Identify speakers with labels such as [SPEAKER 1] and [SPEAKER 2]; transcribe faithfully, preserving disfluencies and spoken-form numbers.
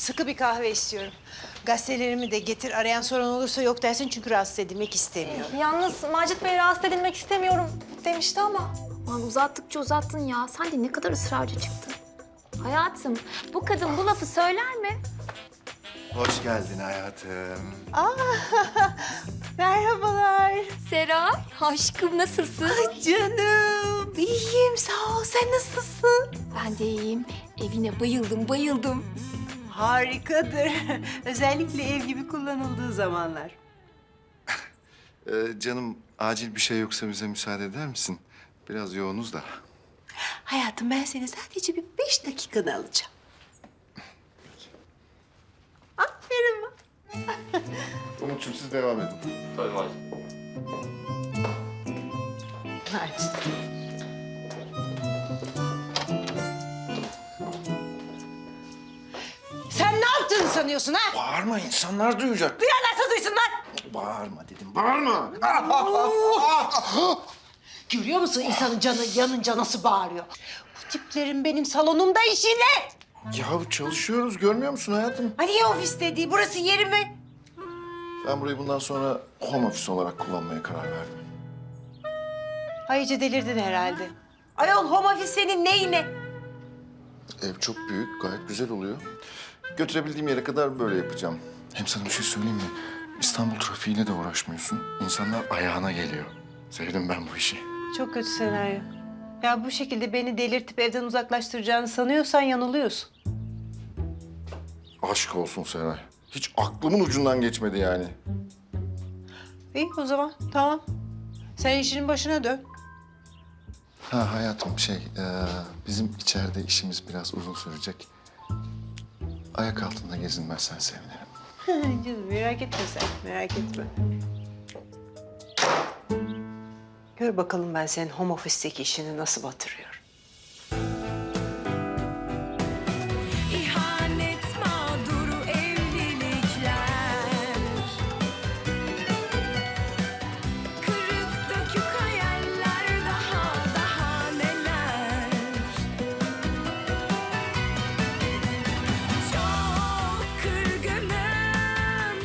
[SPEAKER 1] Sıkı bir kahve istiyorum. Gazetelerimi de getir. Arayan soran olursa yok dersin çünkü rahatsız edilmek istemiyorum.
[SPEAKER 2] Yalnız Macit Bey rahatsız edilmek istemiyorum demişti ama.
[SPEAKER 3] Aman uzattıkça uzattın ya. Sen de ne kadar ısrarcı çıktın. Hayatım, bu kadın bu lafı söyler mi?
[SPEAKER 4] Hoş geldin hayatım.
[SPEAKER 1] Merhabalar.
[SPEAKER 3] Seray, aşkım nasılsın?
[SPEAKER 1] Canım. İyiyim sağ ol. Sen nasılsın?
[SPEAKER 3] Ben de iyiyim. Evine bayıldım, bayıldım.
[SPEAKER 1] Harikadır. Özellikle ev gibi kullanıldığı zamanlar.
[SPEAKER 4] Ee, canım acil bir şey yoksa bize müsaade eder misin? Biraz yoğunuz da.
[SPEAKER 1] Hayatım ben seni sadece bir beş dakikanı alacağım. Aferin bak.
[SPEAKER 4] Umut'cum siz devam edin.
[SPEAKER 5] Tabii var.
[SPEAKER 1] Hadi. Sen ne yaptığını sanıyorsun ha?
[SPEAKER 4] Bağırma insanlar duyacak.
[SPEAKER 1] Duyanlarsa duysun lan.
[SPEAKER 4] Bağırma dedim bağırma.
[SPEAKER 1] Görüyor musun insanın canı yanınca nasıl bağırıyor? Bu tiplerin benim salonumda işi ne?
[SPEAKER 4] Ya çalışıyoruz görmüyor musun hayatım?
[SPEAKER 1] Hani ya ofis dediği burası yeri mi?
[SPEAKER 4] Ben burayı bundan sonra home office olarak kullanmaya karar verdim.
[SPEAKER 1] Ay iyice delirdin herhalde. Ayol home office senin neyine?
[SPEAKER 4] Ev çok büyük gayet güzel oluyor. Götürebildiğim yere kadar böyle yapacağım. Hem sana bir şey söyleyeyim mi? İstanbul trafiğiyle de uğraşmıyorsun. İnsanlar ayağına geliyor. Sevdim ben bu işi.
[SPEAKER 1] Çok kötü senaryo. Ya bu şekilde beni delirtip evden uzaklaştıracağını sanıyorsan yanılıyorsun.
[SPEAKER 4] Aşk olsun Seray. Hiç aklımın ucundan geçmedi yani.
[SPEAKER 1] İyi o zaman tamam. Sen işinin başına dön.
[SPEAKER 4] Ha hayatım şey, e, bizim içeride işimiz biraz uzun sürecek. Ayak altında gezinmezsen sevinirim.
[SPEAKER 1] Canım merak etme sen, merak etme. Gör bakalım ben senin home office'teki işini nasıl batırıyorum.